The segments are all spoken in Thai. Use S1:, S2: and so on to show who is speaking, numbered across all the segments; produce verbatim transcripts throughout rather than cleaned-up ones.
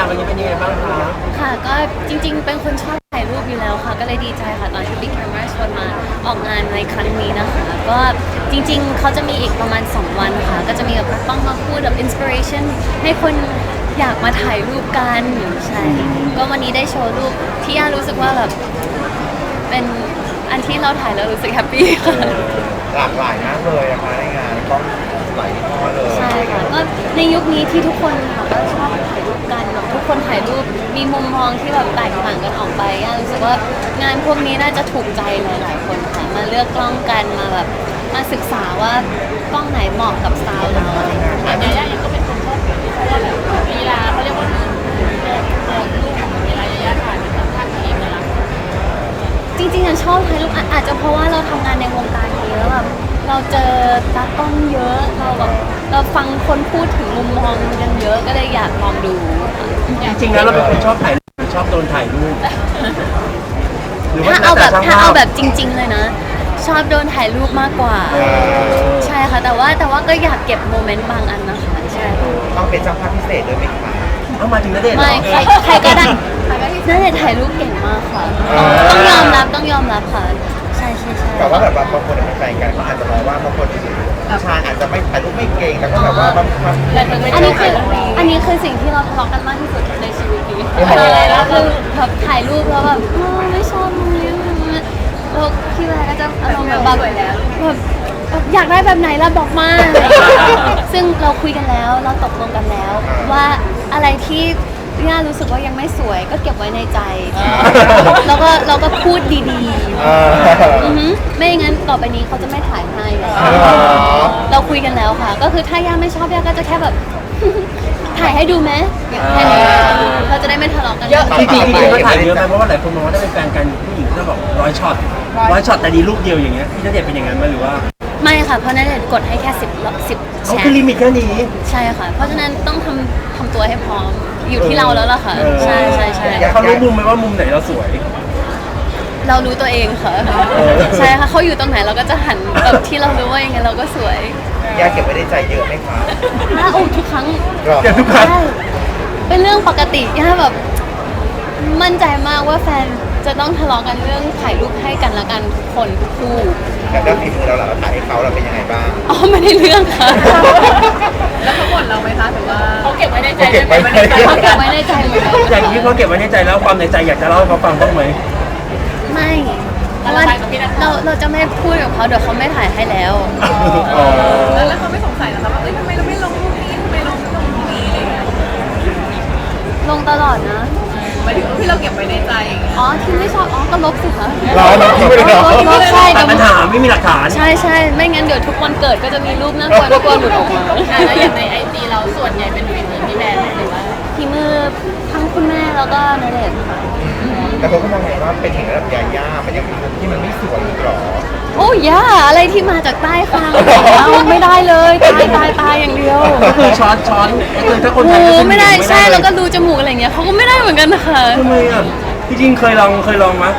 S1: วันนี้เป็นยังไงบ้างคะ
S2: ค่ะก็จริงๆเป็นคนชอบถ่ายรูปอยู่แล้วค่ะก็เลยดีใจค่ะตอนที่ Big Camera ชวนมาออกงานในครั้งนี้นะคะก็จริงๆเขาจะมีอีกประมาณสองวันค่ะก็จะมีแบบต้องมาพูดแบบอินสปิเรชันให้คนอยากมาถ่ายรูปกันใช่ก็วันนี้ได้โชว์รูปที่ย่ารู้สึกว่าแบบเป็นอันที่เราถ่ายแล้วรู้สึกแฮปปี้ค่ะ
S3: หลากหลายมากเลยนะคะในงานก็หลายยี่ห้อเลย
S2: ใช่ค่ะก็ในยุคนี้ที่ทุกคนค่ะก็ชอบถ่ายรูปกันแบบทุกคนถ่ายรูปมีมุมมองที่แบบแตกต่างกันออกไปย่ารู้สึกว่างานพวกนี้น่าจะถูกใจหลายๆคนค่ะมาเลือกกล้องกันมาแบบมาศึกษาว่ากล้องไหนเหมาะกับสไตล์เราอะไรอย่างเงี้ย
S4: แต่ย่ายังก็เป็นคนชอบถ่ายเพราะว่าแบบลีลาเขาเรียกว่าโมองรูปเวลาย่าถ่ายเป็นท่าเองนะ
S2: จริงๆอ่ะชอบถ่ายรูปอาจจะเพราะว่าเราทำงานในวงการนี้แล้วแบบเราเจอตากล้องเยอะเราแบบเราฟังคนพูดถึงมุมมองกันเยอะก็เลยอยากลองดู
S1: จริงๆแล้วเราเป็นคนชอบถ่ายรูปชอบโดนถ่ายรูป
S2: ถ้าเอาแบบถ้าเอาแบบจริงๆเลยนะชอบโดนถ่ายรูปมากกว่าใช่ค่ะแต่ว่าแต่ว่าก็อยากเก็บโมเมนต์บางอันนะคะใช่
S3: ต้องเป็นช่างภาพพิเศษด้วยไหมคะ
S1: เอามาถึงณเดชน์
S2: ไม่ใครใครก็ได้ณเดชน์ถ่ายรูปเก่งมากค่ะต้องยอมรับต้องยอมรับค่ะใช่ใช่ใช่
S3: แต่ว่าแบบบางคนเป็นแฟนกันเขาอาจจะมองว่าบางคนผู้ชายอาจจะไม่ถ่ายรูปไม่เก่งแล้วก็แบบว่าบางคน
S2: อันนี้คืออันนี้คือสิ่งที่เราทะเลาะกันมากที่สุดในชีวิตนี้แล้วคือแบบถ่ายรูปแล้วแบบไม่ชอบมุมนี้แล้วพี่แวร์ก็จะอารมณ์แบบแบบอยากได้แบบไหนล่ะบอกมาซึ่งเราคุยกันแล้วเราตกลงกันแล้วว่าอะไรที่ย่ารู้สึกว่ายังไม่สวยก็เก็บไว้ในใจแล้วก็เราก็พูดดีๆไม่งั้นต่อไปนี้เขาจะไม่ถ่ายให้เราคุยกันแล้วค่ะก็คือถ้าย่าไม่ชอบย่าก็จะแค่แบบถ่ายให้ดูไหมแค่นี้เราจะได้ไม่ทะเลาะกันเยอะ
S1: จริงๆจริงๆก็ถ่ายเยอะไปเพราะว่าหลายคนมองว่าถ้าเป็นแฟนกันผู้หญิงจะบอกร้อยช็อตร้อยช็อตแต่ดีรูปเดียวอย่างเงี้ยพี่ณเดชน์เป็นอย่างนั้นไหมหรือว่า
S2: ไม่ค่ะเพราะณเดชน์กดให้แค่สิบสิบแชร์
S1: เขาคือลิมิตแค่นี้
S2: ใช่ค่ะเพราะฉะนั้นต้องทำทำตัวให้พร้อมอยู่ที่เราแล้วล่ะค่ะใช่ใช่ใช่
S1: เขารู้มุมไหมว่ามุมไหนเราสวย
S2: เรารู้ตัวเองค่ะใช่ค่ะเขาอยู่ตรงไหนเราก็จะหันแบบที่เรารู้ว่ายังไงเราก็สวย
S3: ยาเก็บไว้ในใจเยอะไหมคะ
S2: ถ้าโอ้ทุกครั้ง
S1: เก็บทุกครั้ง
S2: เป็นเรื่องปกติย่าแบบมั่นใจมากว่าแฟนจะต้องทะเลาะกันเรื่องถ่ายรูปให้กันละกันทุกคนทุกคู่
S3: แล้วก็ฝีมือเราเราถ่ายให้เขาเราเป็นยังไงบ้าง
S2: อ๋อไม่ได้เรื่องค่ะ
S4: แล้วเขาบ่นเราไหมคะถือว่าเขาเก็บไว้ในใจ
S3: เก็บไว้ในใจ
S2: เขาเก็บไว้ในใจ
S1: อย่างนี้เขาเก็บไว้ในใจแล้วความในใจอยากจะเล่าให้เขาฟังบ้างไหม
S2: ไม่เพราะว่าเราเราจะไม่พูดกับเขาเดี๋ยวเขาไม่ถ่ายให้แล้ว
S4: แล้วเขาไม่สงสัยหรอคะว่าเอ้ยทำไมเราไม่ลงรูปนี้ทำไมเราไม่ลงรูปนี้อะไรเงี้ย
S2: ลงตลอดนะ
S4: หมายถึงที่เราเก็บไว้ในใจ
S2: อ๋อที่ไม่ชอบอ๋อก็ลบสิคะ
S3: เราเราทิ้งไปเลย
S2: ลบใช่
S1: แต่ปัญหาไม่มีหลักฐาน
S2: ใช่ใช่ไม่งั้นเดี๋ยวทุกวันเกิดก็จะมีรูปน่ากลัวน่ากลัวหลุดออกมา
S4: แล้วอย่างในไอจีเราส่วนใหญ่เป็นฝีมือพี่แบร์หรือว่า
S2: ฝีมือทั้งคุณแม่แล้วก็ณเดชน์ค่ะ
S3: แต่เขาก็มองว่าเป็นถึงระดับยาย่ามันยังเป็นมุมที่มันไม่สวยอีกหรอ
S2: โอ้ย่าอะไรที่มาจากใต้คางเอาไม่ได้เลยตายตายตายอย่างเดียว
S1: ก็คือช้อนช้อนก็คือถ้าคนไทย
S2: ก็ไม่ได้ใช่แล้วก็รูจมูกอะไรเงี้ยเขาก็ไม่ได้เหมือนกันนะคะ
S1: ทำไมอ่ะจริงๆเคยลองเคยลองมั้ย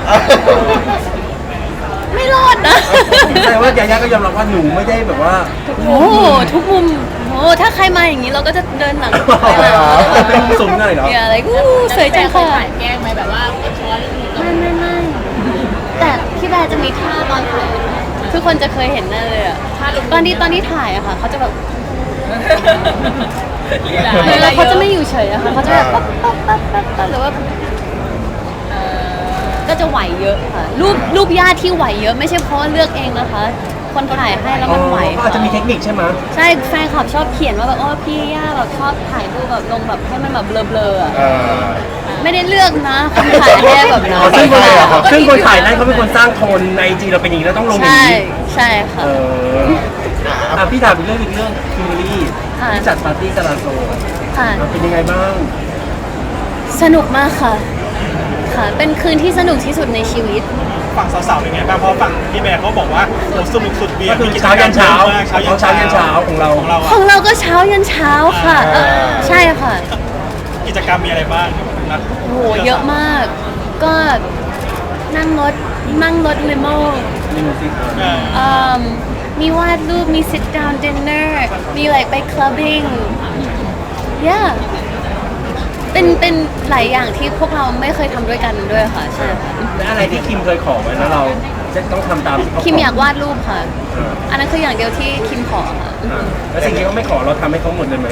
S2: ไม่รอดนะ
S1: แต่ว่ายาย่าก็ยอมรับว่าหนูไม่ได้แบบว่า
S2: โอ้ทุกมุมโอ้ถ้าใครมาอย่างนี้เราก็จะเดินหลัง
S1: เป็นสูงหน่อยเหรอ
S2: อย่าอะไรกูสวยจังค่ะ
S4: ถ่ายแกล้งไหมแบบว่าช้อน
S2: ไม่ไม่ไม่แต่พี่แบร์จะมีท่าตอนถ่ายทุกคนจะเคยเห็นแน่เลยอ่ะตอนที่ตอนที่ถ่ายอะค่ะเขาจะแบบแล้วเขาจะไม่อยู่เฉยอะค่ะเขาจะแบบปั๊บปั๊บปั๊บปั๊บปั๊บหรือว่าก็จะไหวเยอะค่ะรูปรูปญาติที่ไหวเยอะไม่ใช่เพราะเลือกเองนะคะคนถ่ายให้แล้วมันไหว
S1: ก็อาจจะมีเทคนิคใช่ไหม
S2: ใช่แฟนคลับชอบเขียนว่าแบบอ๋อพี่ย่าแบบชอบถ่ายรูปแบบลงแบบให้มันแบบเบลอๆอ่ะไม่ได้เลือกนะคนถ่ายให้แบบนั้น
S1: ซึ่งคนซึ่งคนถ่ายนั้นเขาเป็นคนสร้างโทนในจีเราเป็นอย่างนี้แล้วต้องลงอย่างนี้
S2: ใช่ค่ะ
S1: อ่ะพี่ถามอีกเรื่องอีกเรื่องคิมเบอรี่ที่จัดปาร์ตี้กาลาโซ
S2: ค่ะ
S1: เป็นยังไงบ้าง
S2: สนุกมากค่ะค่ะเป็นคืนที่สนุกที่สุดในชีวิต
S5: ฝั่งสาวๆเป็นไงบ้างเพราะฝั่งพี่แบร์เขาบอกว่าโอ้สนุกสุดเบียร์
S1: คือเช้ายันเช้าเช้ายันเช้ายันเช้าของเรา
S5: ของเรา
S2: ของเราก็เช้ายันเช้าค่ะใช่ค่ะ
S5: กิจกรรมมีอะไรบ้าง
S2: โอ้โหเยอะมากก็นั่งรถนั่งรถลิโม่มีวาดรูปมี sit down dinner มี like ไป clubbing yeah เป็นเป็นเป็นหลายอย่างที่พวกเราไม่เคยทำด้วยกันด้วยค่ะใช่ค่ะ
S1: และอะไรที่คิมเคยขอไว้แล้วเราจะต้องทำตามที่เขาขอ
S2: คิมอยากวาดรูปค่ะ
S1: อ่า
S2: อันนั้นคืออย่างเดียวที่คิมขอค่ะ
S1: อ่าแล้วสิ่งที่เขาไม่ขอเราทำให้เขาหมดเลยไหม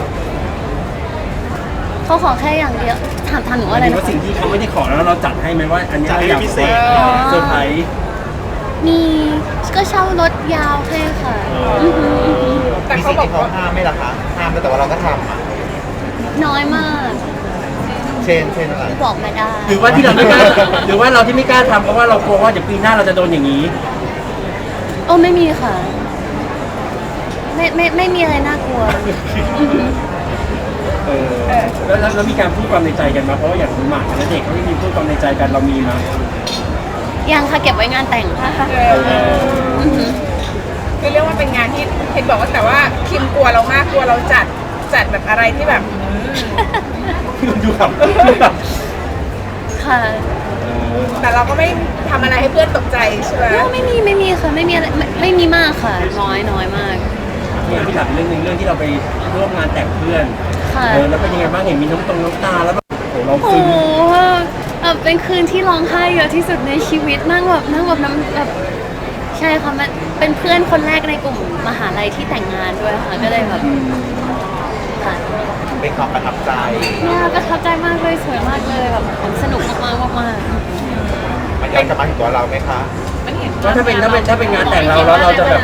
S2: เขาขอแค่อย่างเดียวถามถามหนู
S1: ห
S2: ว่า
S1: มา
S2: อะ
S1: ย
S2: ไร
S1: ถึง
S2: นะ
S1: ว่าสิ่งที่เขาไม่ได้ขอแล้วเราจัดให้ไหมว่า อันนี้เราอยาก
S5: จัดให้พิเศษ
S1: เซอร์ไพรส์
S2: มีก็เช่ารถยาวให้ค่ะอหืออื้อหือ
S3: แต่
S4: แต่
S3: เขา
S4: เขา
S3: บบ อ
S4: อก ก
S3: ว่า
S4: ว่า
S3: ห้ามไม่ล่ะคะห้ามแล้วแต่ว่าเราก็ทำอ่ะ
S2: น้อยมาก
S3: เช่นเช่นอะไร
S2: บอกไม่ได้
S1: หรือว่าที่เราไม่กล้าหรือว่าเราที่ไม่กล้าทำเพราะว่าเรากลัวว่าเดี๋ยวปีหน้าเราจะโดนอย่างนี้
S2: โอ้ไม่มีค่ะ ไม่ไม่ไม่มีอะไรน่ากลัวอือหือ
S1: เออแล้วแล้วแล้วมีการพูดความในใจกันมาเพราะว่าอย่างหมากกับณเด็กเขาไม่มีพูดความในใจกันเรามีมา
S2: ยังค่ะเก็บไว้งานแต่งค่ะอือหือ
S4: คือเรียกว่าเป็นงานที่เห็นบอกว่าแต่ว่าคิมกลัวเรามากกลัวเราจัดจัดแบบอะไรที่แบบอืม
S1: ดูครับดูครับ
S2: ค่ะ
S4: แต่เราก็ไม่ทำอะไรให้เพื่อนตกใจใช่ไหม
S2: โอ้ไม่มีไม่มีค่ะไม่มีอะไรไม่ไม่มีมากค่ะ น้อยน้อยมาก
S1: เนี่ยพี่ถามเรื่องหนึงเรื่องที่เราไปร่วมงานแต่งเพื่อน
S2: ค่ะ
S1: เออแล้วเป็นยังไงบ้างเห็นมีน้ำตรงน้ำตาแล้วแบบโอ้โหเรา
S2: โอ้
S1: ซึ้ง
S2: โหแบบเป็นคืนที่ร้องไห้เยอะที่สุดในชีวิตนั่งแบบนั่งแบบน้ำแบบใช่ค่ะมันเป็นเพื่อนคนแรกในกลุ่มมหาลัยที่แต่งงานด้วยค่ะก็เลยแบบค่ะ
S3: เป็นความประทับใจ
S2: เนี่ยประทับใจมากเลยสวยมากเลยแบบสนุกมากๆมาก
S3: มันย้อนกลับมาถึงตัวเราไหมคะ
S1: ว่าถ้าเป็นถ้าเป็นถ้าเป็นงานแต่งเราแล้วเราจะแบบ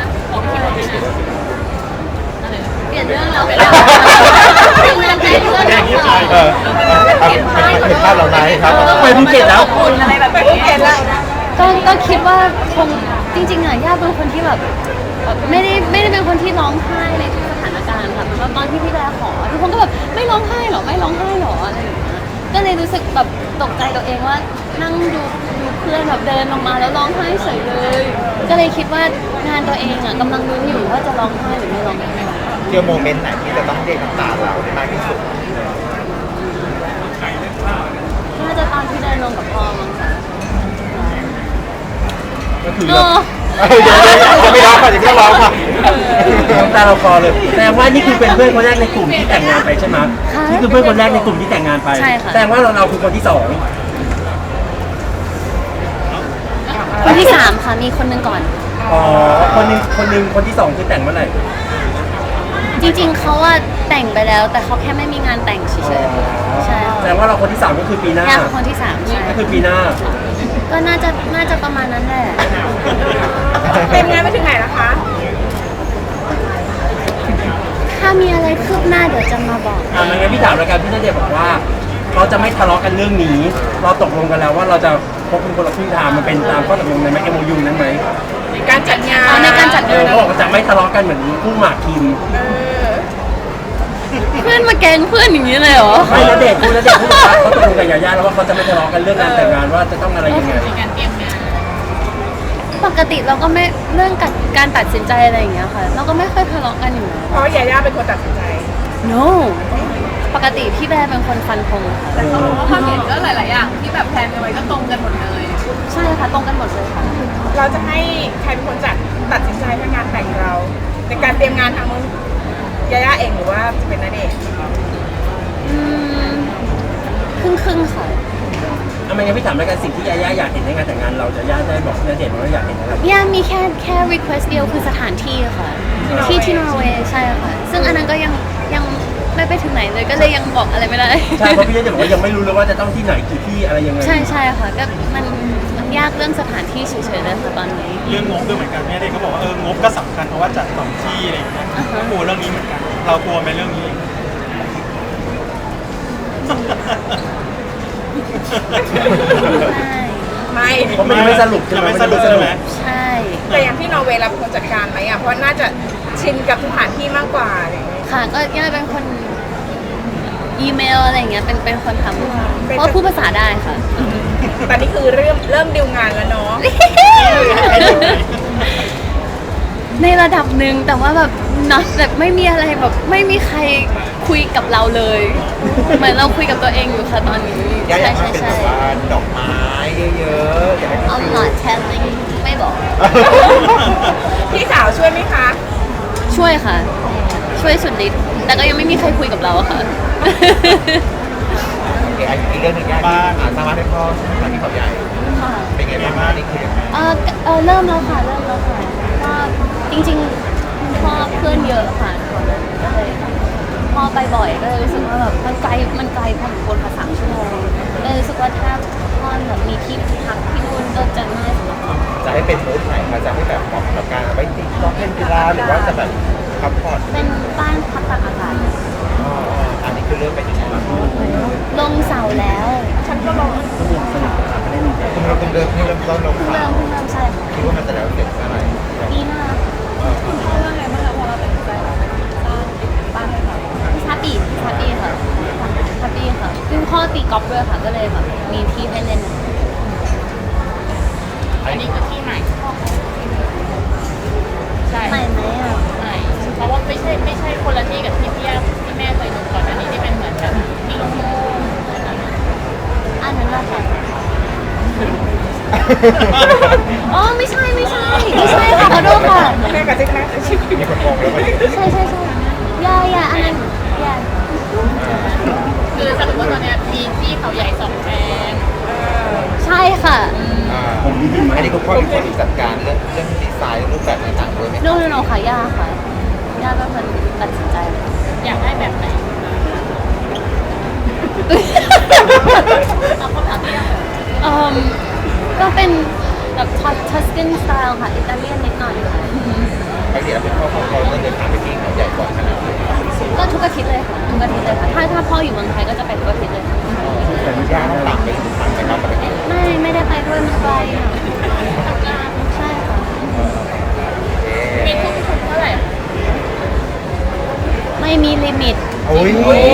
S2: ๆเปลี่ยนเรื่องแล้วเปลี่ยนงานแต่งเรื่องแล้วค่ะ
S3: เออเอาเห็นเห็นภาพเราไหมครับ
S1: ไปภูเก็ตแล้ว
S4: อะไรแบบนี้เห็นแล้ว
S2: ก็ก็คิดว่าคงจริงๆอ่ะย่าเป็นคนที่แบบแบบไม่ได้ไม่ได้เป็นคนที่ร้องไห้ในทุกสถานการณ์ค่ะเหมือนว่าตอนที่พี่แบร์ขอทุกคนก็แบบไม่ร้องไห้หรอไม่ร้องไห้หรออะไรอย่างเงี้ยก็เลยรู้สึกแบบตกใจตัวเองว่านั่งดูดูเพื่อนแบบเดินลงมาแล้วร้องไห้เฉยเลย ก็เลยคิดว่างานตัวเองอ่ะกำลังลุ้นอยู่ว่าจะร้องไห้หรือไม่ร้องไห้
S3: เที่ยวโมเมนต์ไหนที่จะต้องเรียกน้ำตาเราได้มากที่สุด
S2: น่าจะตอนที่เดินลงกับพ่อมั้งค่ะ
S1: ก็คือ
S2: เอ
S1: เรา
S2: อ
S3: เอ้ยเดี๋ยวเดี๋ยวจะไม่ร้องค่ะจะไม่ร้องค่ะ
S1: น้ำตาเราคลอเลยแต่ว่านี่คือเป็นเพื่อนคนแรกในกลุ่มที่แต่งงานไปใช่ไหม
S2: ค่ะ
S1: นี่คือเพื่อนคนแรกในกลุ่มที่แต่งงานไป
S2: ใช่ค่ะ
S1: แต่ว่าเราเราคือคนที่สอง
S2: คนที่สามค่ะมีคนหนึงก่อน
S1: อ๋อคนหนึงคนหนึงคนที่สองคือแต่งเมื่อไหร่
S2: จริงๆเขาว่าแต่งไปแล้ว แต่เขาแค่ไม่มีงานแต่งเฉยๆใช่
S1: แต่ว่าเราคนที่สามก็คือปีหน้า
S2: ยากคนที่สามใช่
S1: ก็คือปีหน้า
S2: ก็น่าจะน่าจะประมาณนั้นแหละ
S4: เป็นงานไปถึงไหนแล้วคะ
S2: ถ้ามีอะไรคืบหน้าเดี๋ยวจะมาบอก
S1: อ่างั้นพี่ถามแล้วกันพี่ณเดชน์บอกว่าเราจะไม่ทะเลาะกันเรื่องนี้ เราตกลงกันแล้วว่าเราจะพบเป็นคนละครึ่งทางมันเป็นตามข้อตกลงในไหม เอ็ม โอ ยู นั้นไหม
S4: ในการจัดงาน
S2: อ๋อในการจัดาน
S1: เองอเขาบอกว่าจะไม่ทะเลาะกันเหมือนคู่หมากคิม
S4: เออ
S2: เพื่อนมาแกล้งเพื่อนอย่างนี้เลยเหรอ
S1: ไม่ณเดชน์คู่ณเดชน์พูดว่าเขาตกลงกับยาย่าแล้วว่าเขาจะไม่ทะเลาะกันเรื่องงานแต่งงานว่าจะต้องอะไรยังไง
S2: ปกติเราก็ไม่เรื่องการการตัดสินใจอะไรอย่างเงี้ยค่ะ เราก็ไม่ค่อยทะเลาะกันอยู่แล้ว
S4: เพราะยาย่าเป็นคนตัดสินใจ
S2: no ปกติพี่แบร์เป็นคนฟันธงค่ะ
S4: แต่เขาบอกว่าความเห็นก็หลาย ๆ อย่างที่แบบแพลนกันไว้ก็ตรงกันหมดเลย
S2: ใช่ค่ะตรงกันหมดเลยค่ะ
S4: เราจะให้ใครเป็นคนจัดตัดสินใจเรื่องงานแต่งเรา ในการเตรียมงานทางนู้นยาย่าเองหรือว่าจะเป็นณเดชน์
S2: อืมครึ่งครึ่งๆค่ะ
S1: ทำไมงั้นพี่ถามแล้วกันสิ่งที่ยาย่าอยากเห็นในงานแต่งงานเราจะย่าได้บอกณเดชน์ว่าอยากเห็นอะไร
S2: ย่ามีแค่แค่ request เดียวคือสถานที่ค่ะ ที่ที่นอร์เวย์ใช่ค่ะ ซึ่งอันนั้นก็ยังยังไม่ไปถึงไหนเลยก็เลยยังบอกอะไรไม่ได้
S1: ใช่เพราะพี่ณเดชน์บอกว่ายังไม่รู้เลยว่าจะต้องที่ไหนกี่ที่อะไรยังไง
S2: ใช่ใช่ค่ะก็มันมันยากเรื่องสถานที่เฉยๆเลยค่ะตอนนี้
S5: เรื่องงบด้วยเหมือนกันแม่เด็กเขาบอกว่าเอองบก็สำคัญเพราะว่าจัดสองที่อะไรอย่างเงี้ย
S2: อ่าฮะ
S5: กลัวเรื่องนี้เหมือนกัน เรากลัวไหมเรื่องนี้
S2: ใช่
S4: ไม่
S1: เพราะมันยังไม่สรุปใช่ไหม
S5: ยังไม่สรุปใช่ไหม
S2: ใช่
S4: แต่อย่างที่นอร์เวย์เราเป็นคนจัดการไหมอ่ะ เพราะน่าจะชินกับสถานที่มากกว่าอะไรอย่างเงี้ย
S2: ค่ะก็ย่าเป็นคนอีเมลอะไรอย่างเงี้ยเป็นเป็นคนทำค่ะเพราะว่าพูดภาษาได้ค่ะ
S4: ตอนนี้คือเริ่มเริ่มดิวงานแล้วเนาะ
S2: ในระดับหนึ่งแต่ว่าแบบนะแบบไม่มีอะไรแบบไม่มีใครคุยกับเราเลย เหมือนเราคุยกับตัวเองอยู่ค่ะตอนนี้
S3: ย่าอ
S2: ใช่
S3: ยากให้
S2: ใช่
S3: เป็น
S2: ใช่
S3: แบบว่าดอกไม้เยอะๆอยากให้
S2: I'm not telling ไม่บอก
S4: พี่สาวช่วยไหมคะ
S2: ช่วยค่ะ ช่วยสุดฤทธิ์แต่ก็ยังไม่มีใครคุยกับเราอะค่ะ
S3: อีกเรื่องหนึ่งแยกที่อ่าสามารถให้พ่อทางที่เขาใหญ่
S2: ค่ะ
S3: เป็นไงบ้างนี่คือยังไง
S2: เออเออเริ่มแล้วค่ะเริ่มแล้วค่ะก็จริงๆคุณพ่อเพื่อนเยอะค่ะก็เลยพ่อไปบ่อยก็เลยรู้สึกว่าแบบมันไกลมันไกลพอสมควรค่ะสามชั่วโมงเลยรู้สึกว่าถ้าพ่อแบบมีที่พักที่นู่นก็จะง่ายสำหรับพ่อ
S3: จะให้เป็นมูดไหนมาจะให้แบบเหมาะกับการไว้ที่ต้องเล่นกีฬาหรือว่าจะแบบพักผ่อน
S2: เป็นบ้านพักตากอากาศ
S3: อ๋ออันนี้คือเริ่มเป็นยังไงบ้าง
S2: ลงเสาแล้ว
S4: ฉันก็ลอง
S3: คุณเราต้องเริ่มที่เริ่มต้นลง
S2: เพิ่ง
S3: สา
S2: เริ่มเพิ่งเริ่มใช่ค่ะ
S3: คิดว่ามันจะแล้วเสร็จเมื่อไหร่
S2: ปีหน้า
S4: คุณพ่อว่าไงบ้างคะพอเราตัดสินใจสร้างบ้านให้เขา
S2: พิซซ่าปีพิซซ่าปีค่ะพิซซ่าปีค่ะซึ่งพ่อตีกอล์ฟด้วยค่ะ ก็เลยแบบมีที่ให้เล่น
S4: อันนี้คือที่ใหม่ใช่
S2: ใหม่ไหมอ่ะ
S4: ใหม่เพราะว่าไม่ใช่ไม่ใช่คนละที่กับที่พี่ย่าที่แม่เคยดูก่อนอันนี้ที่เป็นเหมือนแบบที่โล่ง
S2: อันนั้นแหละค่ะอ๋อไม่ใช่ไม่ใช่ไม่ใช่ค่ะขอโทษค่ะ
S4: ๆแม่กับเจ๊กนะชื่อ
S3: มีคนมองแล้วมัน
S2: ใช่ใช่ใช่ยาอยาอันนั้นอยา
S4: คือสรุปว่าตอนเนี้ยมีที่เขาใหญ่สองแปลง
S2: ใช่ค่ะ
S3: อ่าผมดีไหมอันนี้คุณพ่อเป็นคนจัดการเรื่องเรื่องดีไซน์รูปแบบต่างๆด้วยไหม
S2: โน่นโน่ค่ะยาค่ะยาเป็นคนตัดสินใจค่ะ
S4: อยากได้แบบไหนเอาคำถามที่ยาก
S2: เอ่มก็เป็นแบบทัสกินสไตล์ค่ะ อิตาเลียนนิดหน่อยค่ะ
S3: ปกติแล้วคุณพ่อของเราต้องเดินทางไปที่เขาใหญ่บ่อยขนาดไหน
S2: ก็ทุกอาทิตย์เลยค่ะทุกอาทิตย์เลยค่ะ ถ้าถ้าพ่ออยู่เมืองไทยก็จะไปทุกอาทิตย์เลยค่ะ
S3: แต่ไม่ยากต้องตามไปทุกครั้งไปครับปกติ
S2: ไม่ไม่ได้ไปด้วยมันไกลค่ะใช่ค่ะ
S4: มีทุกทุกเท่าไหร่
S2: ไม่มีลิมิต
S3: โอ้ย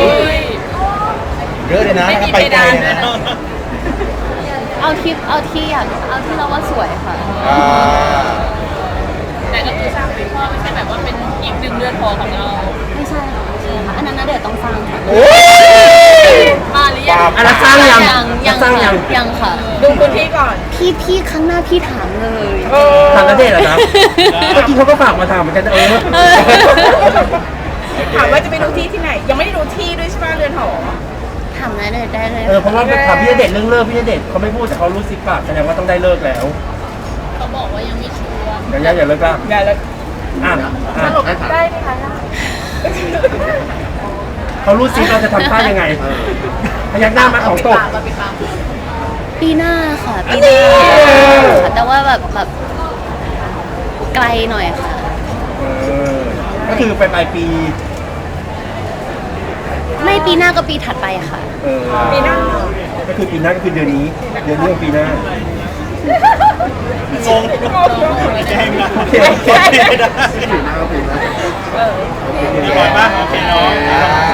S3: เยอะเลยนะถ้าไปไกลเนี่ยนะ
S2: เอาที่เอาที่อยากเอาที่เราว่าสวยค่ะ
S3: อ่า
S4: แต่ก็คือสร้างเป็นพ่อไม่ใช่แบบว่าเป็นอีกหนึ่งเรือนหอของเรา
S2: ไม่ใช่ค่ะไม่ใช่ค่ะอันนั้นนะเดี๋ยวต้องสร้างค่ะ
S3: โอ้ย
S4: มาหรือยัง
S1: อันนั้นสร้างยัง
S2: ยังยัง
S1: สร้างยัง
S2: ยังค่ะ
S4: ดูพื้นที่ก่อน
S2: พี่พี่ครั้งหน้าพี่ถามเลย
S1: ถามนัเดชน์เหรอครับเมื่อกี้เขาก็ฝากมาถามเหมือนกันเออ
S2: เออ
S4: ถามว่าจะไปดูที่ที่ไหน ยังไม่ได้ดูที่ด้วยใช่ไหมเรือนหอ
S2: ถามนะเดี๋ยวได้เลย
S1: เออเพราะว่าถามพี่ณเดชน์เรื่องเลิกพี่ณเดชน์เขาไม่พูดแต่เขารู้สิบปากแสดงว่าต้องได้เลิกแล้ว
S4: เขาบอกว่ายังไม่ชัวร์
S1: อย่าอย่าอย่าเลิกก็
S4: อย่าเลย
S1: อ่ะอ่ะ
S4: ได้ไหมคะ
S1: เขารู้สิเราจะทำท่ายังไงพยักหน้ามาของตก
S4: เราไปตาม
S2: ปีหน้าค่ะปีหน้าค่ะแต่ว่าแบบแบบไกลหน่อยค่ะ
S1: เออก็คือไปปลายปี
S2: ไม่ปีหน้าก็ปีถัดไปค่ะ
S1: เออ
S4: ปีหน้า
S1: ก็คือปีหน้าก็คือเดือนนี้ เดือนนี้ของปีหน้าง
S5: งแจ้งนะ
S1: โอเคโอเค
S5: ไม่ได้
S4: เออ
S5: มีบอลป่ะโอเคเนาะ